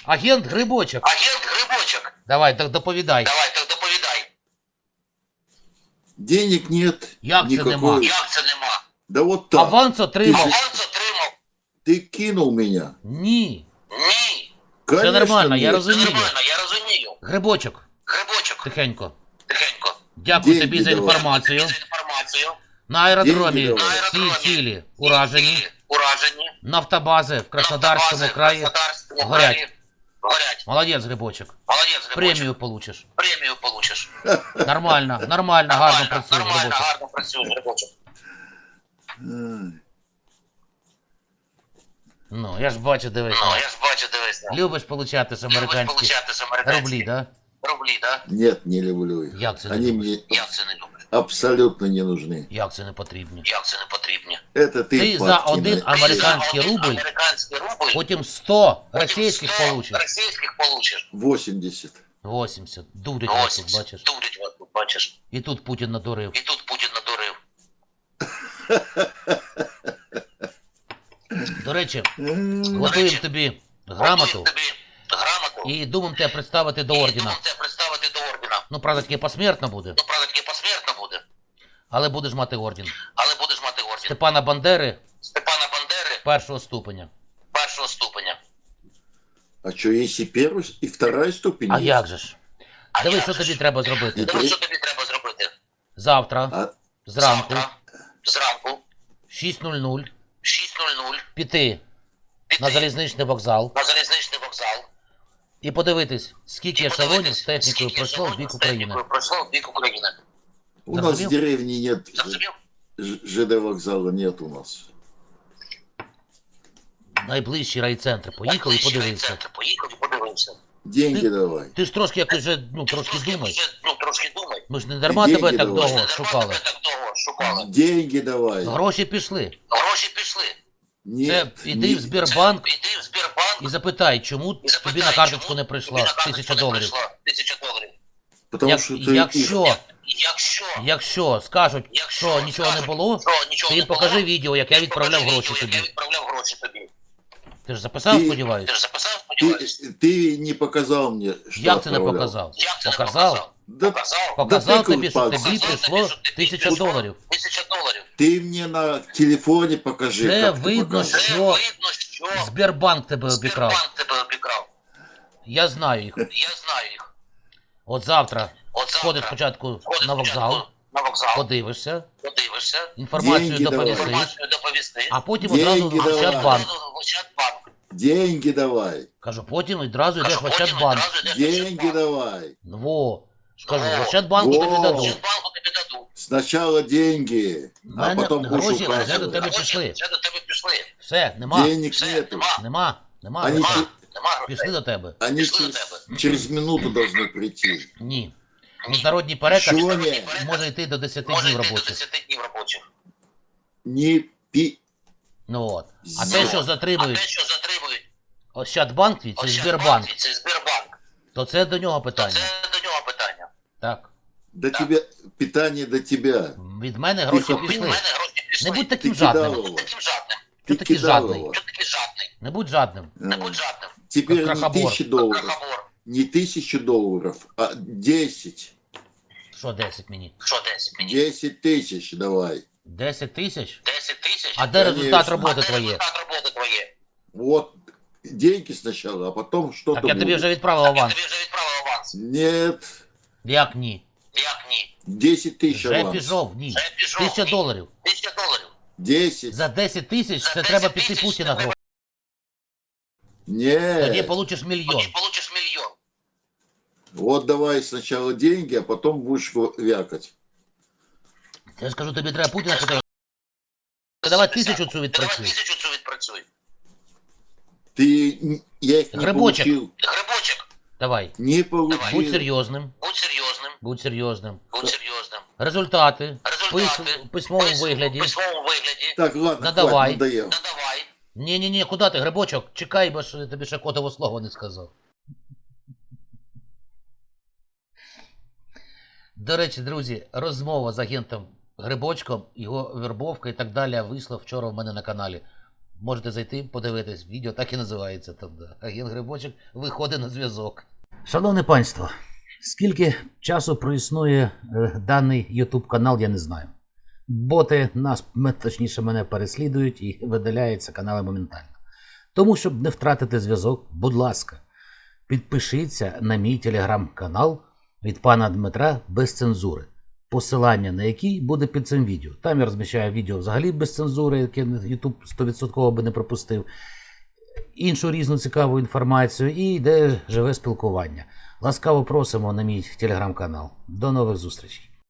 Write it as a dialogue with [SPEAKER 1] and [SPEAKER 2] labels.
[SPEAKER 1] Агент Грибочок.
[SPEAKER 2] Агент Грибочок.
[SPEAKER 1] Давай, так доповідай.
[SPEAKER 2] Давай, так доповідай.
[SPEAKER 3] Денег нет
[SPEAKER 1] Як це
[SPEAKER 3] никакой.
[SPEAKER 1] нема?
[SPEAKER 2] Як це нема?
[SPEAKER 3] Да вот так.
[SPEAKER 1] Аванс отримав.
[SPEAKER 2] Аванс отримав?
[SPEAKER 3] Ты кинул меня.
[SPEAKER 1] Ні.
[SPEAKER 2] Ні.
[SPEAKER 3] Конечно,
[SPEAKER 1] нормально, я
[SPEAKER 3] нет.
[SPEAKER 1] розумію.
[SPEAKER 2] Нормально, я розумію.
[SPEAKER 1] Грибочок.
[SPEAKER 2] Грибочок.
[SPEAKER 1] Тихенько.
[SPEAKER 2] Тихенько.
[SPEAKER 1] Дякую
[SPEAKER 3] Деньги
[SPEAKER 1] тобі за
[SPEAKER 3] давай.
[SPEAKER 1] інформацію.
[SPEAKER 2] За інформацію.
[SPEAKER 1] На аеродромі
[SPEAKER 3] Деньги давай.
[SPEAKER 2] На
[SPEAKER 1] всі
[SPEAKER 2] аеродромі.
[SPEAKER 1] цілі уражені.
[SPEAKER 2] Цілі уражені.
[SPEAKER 1] Нафтобази в Краснодарському
[SPEAKER 2] Нафтобази в
[SPEAKER 1] краї.
[SPEAKER 2] Краснодарському
[SPEAKER 1] горять.
[SPEAKER 2] краї горять.
[SPEAKER 1] Молодець, Грибочок.
[SPEAKER 2] Молодець, Грибочок.
[SPEAKER 1] Премію получиш.
[SPEAKER 2] Премію получиш.
[SPEAKER 1] Нормально, нормально, гарно працюєш,
[SPEAKER 2] Нормально,
[SPEAKER 1] Грибочок.
[SPEAKER 2] гарно працюєш, Грибочок.
[SPEAKER 3] Ай.
[SPEAKER 1] Ну, я ж бачу, дивись.
[SPEAKER 2] Ну, я ж бачу, дивись.
[SPEAKER 1] Любиш получати з
[SPEAKER 2] Любиш
[SPEAKER 1] американські
[SPEAKER 2] получати з американських
[SPEAKER 1] рублі, да?
[SPEAKER 2] Рублі, да?
[SPEAKER 3] Нет, не люблю их.
[SPEAKER 1] Як це не
[SPEAKER 3] Они
[SPEAKER 1] любиш?
[SPEAKER 3] мне
[SPEAKER 2] Як це не любиш?
[SPEAKER 3] абсолютно не нужны.
[SPEAKER 1] Як це не потрібно?
[SPEAKER 2] Як це не потрібно?
[SPEAKER 3] Это ты,
[SPEAKER 1] Ты за
[SPEAKER 3] подкинул.
[SPEAKER 1] один американський
[SPEAKER 2] Ти за один
[SPEAKER 1] рубль,
[SPEAKER 2] американський рубль,
[SPEAKER 1] потім 100
[SPEAKER 2] потім
[SPEAKER 1] російських
[SPEAKER 2] 100
[SPEAKER 1] получиш.
[SPEAKER 2] російських получиш.
[SPEAKER 3] 80.
[SPEAKER 1] 80. Дурить вас тут,
[SPEAKER 2] 80.
[SPEAKER 1] бачиш.
[SPEAKER 2] Дурить вас тут, бачиш.
[SPEAKER 1] І тут Путін надурив.
[SPEAKER 2] І тут Путін надурив.
[SPEAKER 1] До речі,
[SPEAKER 3] М,
[SPEAKER 1] готуємо тобі грамоту
[SPEAKER 2] Готуємо тобі грамоту.
[SPEAKER 1] і думаємо тебе представити до ордена.
[SPEAKER 2] думав тебе представити до ордена.
[SPEAKER 1] Ну, правда, таки посмертно буде,
[SPEAKER 2] Ну, правда, таки посмертно буде.
[SPEAKER 1] але будеш мати орден.
[SPEAKER 2] Але будеш мати орден.
[SPEAKER 1] Степана Бандери
[SPEAKER 2] Степана Бандери
[SPEAKER 1] першого ступеня.
[SPEAKER 2] першого ступеня.
[SPEAKER 3] А что, есть и первая, и вторая ступень?
[SPEAKER 1] А
[SPEAKER 3] есть?
[SPEAKER 1] як же ж?
[SPEAKER 2] А
[SPEAKER 1] Дивись,
[SPEAKER 2] як
[SPEAKER 1] що
[SPEAKER 2] же
[SPEAKER 1] тобі
[SPEAKER 3] Е,
[SPEAKER 2] ж?
[SPEAKER 1] треба зробити.
[SPEAKER 2] Дивись, що тобі треба зробити.
[SPEAKER 1] Завтра,
[SPEAKER 3] А,
[SPEAKER 1] зранку,
[SPEAKER 2] Завтра, зранку,
[SPEAKER 1] 6:00,
[SPEAKER 2] 6:00,
[SPEAKER 1] піти
[SPEAKER 2] піти
[SPEAKER 1] на залізничний вокзал
[SPEAKER 2] на залізничний вокзал.
[SPEAKER 1] і подивитись, скільки
[SPEAKER 2] І
[SPEAKER 1] ешелонів
[SPEAKER 2] подивитись,
[SPEAKER 1] з технікою
[SPEAKER 2] скільки
[SPEAKER 1] пройшло в
[SPEAKER 2] ешелонів
[SPEAKER 1] бік
[SPEAKER 2] з
[SPEAKER 1] України.
[SPEAKER 2] технікою пройшло в бік України.
[SPEAKER 3] у нас
[SPEAKER 1] Зрозумів?
[SPEAKER 3] в деревне нет
[SPEAKER 2] Зрозумів?
[SPEAKER 3] ЖД вокзала, нет у нас.
[SPEAKER 1] Найближчі райцентри. Поїхав і подивився.
[SPEAKER 2] Райцентр. Поїхав і подивився.
[SPEAKER 3] Деньги
[SPEAKER 1] Ти-
[SPEAKER 3] давай.
[SPEAKER 1] Ти ж трошки якось вже, трошки
[SPEAKER 2] Трошки
[SPEAKER 1] думай.
[SPEAKER 2] вже, трошки думай.
[SPEAKER 1] Ми ж не дарма
[SPEAKER 3] Деньги
[SPEAKER 1] тебе так
[SPEAKER 3] давай.
[SPEAKER 1] довго
[SPEAKER 2] Дарма
[SPEAKER 1] шукали.
[SPEAKER 2] тебе так довго шукали.
[SPEAKER 3] Деньги давай.
[SPEAKER 1] Гроші пішли.
[SPEAKER 2] Гроші пішли.
[SPEAKER 1] Це
[SPEAKER 3] Нет,
[SPEAKER 1] іди в
[SPEAKER 3] не-
[SPEAKER 1] Сбербанк
[SPEAKER 2] Іди в Сбербанк
[SPEAKER 1] і запитай, чому
[SPEAKER 2] і запитай,
[SPEAKER 1] тобі на карточку
[SPEAKER 2] чому
[SPEAKER 1] не
[SPEAKER 2] тобі
[SPEAKER 1] прийшла
[SPEAKER 2] на карточку
[SPEAKER 1] 1000
[SPEAKER 2] не
[SPEAKER 1] доларів.
[SPEAKER 2] прийшла 1000 доларів.
[SPEAKER 3] Потому что ты
[SPEAKER 1] Якщо,
[SPEAKER 2] Якщо
[SPEAKER 1] скажуть, що нічого не
[SPEAKER 2] скажуть,
[SPEAKER 1] було,
[SPEAKER 2] що нічого
[SPEAKER 1] ти
[SPEAKER 2] не
[SPEAKER 1] їм покажи
[SPEAKER 2] було,
[SPEAKER 1] відео, як
[SPEAKER 2] ти
[SPEAKER 1] я
[SPEAKER 2] їм
[SPEAKER 1] відправляв
[SPEAKER 2] покажи
[SPEAKER 1] гроші
[SPEAKER 2] відео, як
[SPEAKER 1] тобі.
[SPEAKER 2] Я відправляв гроші тобі.
[SPEAKER 1] Ти ж записав,
[SPEAKER 3] Ти-
[SPEAKER 1] сподіваюся?
[SPEAKER 2] Ти ж записав, сподіваюся?
[SPEAKER 3] ты не показал мне, что
[SPEAKER 1] Як це не
[SPEAKER 3] отправлял.
[SPEAKER 1] показав?
[SPEAKER 2] Як це не
[SPEAKER 1] Показав.
[SPEAKER 2] показав?
[SPEAKER 3] Да
[SPEAKER 2] Показав.
[SPEAKER 1] Показав
[SPEAKER 3] Да ти
[SPEAKER 1] тобі, що
[SPEAKER 3] купав.
[SPEAKER 1] тобі
[SPEAKER 2] Показав
[SPEAKER 1] прийшло
[SPEAKER 2] тобі, що тобі
[SPEAKER 1] 1000
[SPEAKER 2] прийшло
[SPEAKER 1] доларів.
[SPEAKER 2] 1000 доларів.
[SPEAKER 3] ты мне на телефоне покажи.
[SPEAKER 1] Це
[SPEAKER 3] как ты
[SPEAKER 1] видно,
[SPEAKER 3] показал.
[SPEAKER 2] Це
[SPEAKER 1] Що?
[SPEAKER 2] видно, що
[SPEAKER 1] Сбербанк тебе обікрав.
[SPEAKER 2] Сбербанк тебе обікрав.
[SPEAKER 1] Я знаю їх.
[SPEAKER 2] Я знаю їх.
[SPEAKER 1] От завтра
[SPEAKER 2] От
[SPEAKER 1] сходиш
[SPEAKER 2] завтра
[SPEAKER 1] спочатку
[SPEAKER 2] ходиш
[SPEAKER 1] на вокзал,
[SPEAKER 2] спочатку на вокзал,
[SPEAKER 1] подивишся,
[SPEAKER 2] подивишся,
[SPEAKER 1] інформацію
[SPEAKER 3] Деньги давай.
[SPEAKER 1] доповісиш,
[SPEAKER 2] інформацію доповісти.
[SPEAKER 1] а потім
[SPEAKER 3] Деньги
[SPEAKER 1] одразу в
[SPEAKER 3] давай.
[SPEAKER 1] Ощадбанк.
[SPEAKER 2] В Ощадбанк.
[SPEAKER 3] Деньги давай.
[SPEAKER 1] Кажу, потім одразу йдеш
[SPEAKER 2] Кажу,
[SPEAKER 1] в
[SPEAKER 2] потім
[SPEAKER 1] Ощадбанк.
[SPEAKER 2] одразу йдеш в
[SPEAKER 3] Деньги
[SPEAKER 2] Ощадбанк.
[SPEAKER 3] давай.
[SPEAKER 1] Во. Кажу, в
[SPEAKER 2] Во.
[SPEAKER 1] Ощадбанку тобі
[SPEAKER 3] Во.
[SPEAKER 1] дадуть.
[SPEAKER 2] Ощадбанку тобі дадуть.
[SPEAKER 3] Сначала деньги,
[SPEAKER 1] В
[SPEAKER 3] а
[SPEAKER 1] мене
[SPEAKER 3] потом будешь
[SPEAKER 1] гроші вже до
[SPEAKER 3] указывать.
[SPEAKER 1] тебе
[SPEAKER 2] Гроші
[SPEAKER 1] пішли.
[SPEAKER 2] вже до тебе пішли.
[SPEAKER 1] Все, нема.
[SPEAKER 3] Денег
[SPEAKER 2] Все,
[SPEAKER 3] нету.
[SPEAKER 2] нема.
[SPEAKER 1] Нема
[SPEAKER 3] Они,
[SPEAKER 1] грошей.
[SPEAKER 3] че-
[SPEAKER 2] Нема грошей.
[SPEAKER 1] Пішли до тебе.
[SPEAKER 3] они
[SPEAKER 2] Пішли до
[SPEAKER 3] через минуту должны прийти.
[SPEAKER 1] Ні. Міжнародний переказ
[SPEAKER 3] Що ні?
[SPEAKER 1] може йти до 10
[SPEAKER 2] Може
[SPEAKER 1] днів
[SPEAKER 2] йти до
[SPEAKER 1] робочих.
[SPEAKER 2] 10 днів робочих.
[SPEAKER 3] Не пи...
[SPEAKER 1] Ну от. А
[SPEAKER 3] Ну.
[SPEAKER 1] те, що
[SPEAKER 2] А те,
[SPEAKER 1] затримують
[SPEAKER 2] що затримують
[SPEAKER 1] Ощадбанк твій, це
[SPEAKER 2] Ощадбанк,
[SPEAKER 1] Сбербанк,
[SPEAKER 2] це Сбербанк,
[SPEAKER 1] то це до нього
[SPEAKER 2] то
[SPEAKER 1] питання.
[SPEAKER 2] це до нього питання.
[SPEAKER 1] Так.
[SPEAKER 3] До тебя, питание до тебя.
[SPEAKER 1] Від мене гроші
[SPEAKER 3] Від
[SPEAKER 2] Від
[SPEAKER 1] пішли.
[SPEAKER 2] мене гроші пішли.
[SPEAKER 1] Не будь
[SPEAKER 3] Ты
[SPEAKER 1] таким
[SPEAKER 3] кидал
[SPEAKER 1] жадним.
[SPEAKER 3] его.
[SPEAKER 2] Таким жадним.
[SPEAKER 1] Чого
[SPEAKER 3] Ты
[SPEAKER 1] такий
[SPEAKER 3] кидал
[SPEAKER 1] жадний?
[SPEAKER 3] его.
[SPEAKER 2] Чого такий жадний?
[SPEAKER 1] Не будь жадним.
[SPEAKER 2] Не будь жадним.
[SPEAKER 3] Теперь
[SPEAKER 1] Как
[SPEAKER 3] не
[SPEAKER 1] крохобор.
[SPEAKER 3] 1000 долларов.
[SPEAKER 2] Крохобор.
[SPEAKER 3] Не 1000 долларов, а 10.
[SPEAKER 1] Що 10 мені?
[SPEAKER 2] Що 10 мені?
[SPEAKER 3] 10 тысяч давай.
[SPEAKER 1] 10 тисяч?
[SPEAKER 2] 10 тисяч?
[SPEAKER 1] А де
[SPEAKER 3] Конечно.
[SPEAKER 1] результат
[SPEAKER 2] А
[SPEAKER 1] роботи
[SPEAKER 2] де
[SPEAKER 1] твоє?
[SPEAKER 2] результат роботи твоє?
[SPEAKER 3] Вот деньги сначала, а потом что-то
[SPEAKER 1] Так я тобі
[SPEAKER 3] будет.
[SPEAKER 1] вже відправив
[SPEAKER 2] Я
[SPEAKER 1] аванс.
[SPEAKER 2] тобі вже відправив аванс.
[SPEAKER 3] Нет,
[SPEAKER 1] Як ні?
[SPEAKER 2] Як ні?
[SPEAKER 3] 10 тысяч
[SPEAKER 1] Вже
[SPEAKER 3] аванс.
[SPEAKER 1] пішов, ні.
[SPEAKER 2] Вже пішов.
[SPEAKER 1] 1000
[SPEAKER 2] Ні.
[SPEAKER 1] доларів.
[SPEAKER 2] 1000 доларів.
[SPEAKER 3] 10.
[SPEAKER 1] За 10 тисяч
[SPEAKER 2] За
[SPEAKER 1] це
[SPEAKER 2] 10
[SPEAKER 1] треба піти
[SPEAKER 2] тисяч
[SPEAKER 1] Путіна
[SPEAKER 2] це треба-
[SPEAKER 1] гроші.
[SPEAKER 3] Нет.
[SPEAKER 1] Тоді получиш мільйон.
[SPEAKER 2] Тоді получиш мільйон.
[SPEAKER 3] Вот давай сначала деньги, а потом будешь вякать.
[SPEAKER 1] Я скажу, тобі треба Путіна питати. Давай 1000 цю
[SPEAKER 2] Давай
[SPEAKER 1] відпрацюй.
[SPEAKER 2] 1000 цю відпрацюй.
[SPEAKER 3] Я их не
[SPEAKER 1] Грибочек.
[SPEAKER 3] получил.
[SPEAKER 2] Грибочок,
[SPEAKER 1] Давай.
[SPEAKER 3] Не получил.
[SPEAKER 1] Будь серйозним.
[SPEAKER 2] будь серйозним.
[SPEAKER 1] Будь серйозним.
[SPEAKER 2] Будь серйозним.
[SPEAKER 1] Результати.
[SPEAKER 2] Результати.
[SPEAKER 1] В письмовому вигляді.
[SPEAKER 2] В письмовому вигляді.
[SPEAKER 3] Так, ладно,
[SPEAKER 1] Надавай.
[SPEAKER 3] хватит, надоел.
[SPEAKER 2] Надавай.
[SPEAKER 1] Ні, куди ти, Грибочок? Чекай, бо ж тобі ще котове слово не сказав. До речі, друзі, розмова з агентом Грибочком, його вербовка і так далі вийшла вчора в мене на каналі. Можете зайти, подивитись. Відео так і називається. Тобто агент Грибочок виходить на зв'язок. Шановне панство, скільки часу проіснує даний YouTube канал, я не знаю. Боти нас, точніше, мене переслідують і видаляються канали моментально. Тому, щоб не втратити зв'язок, будь ласка, підпишіться на мій телеграм-канал від пана Дмитра без цензури. Посилання на який буде під цим відео. Там я розміщаю відео взагалі без цензури, яке YouTube 100% би не пропустив. Іншу різну цікаву інформацію і йде живе спілкування. Ласкаво просимо на мій телеграм-канал. До нових зустрічей.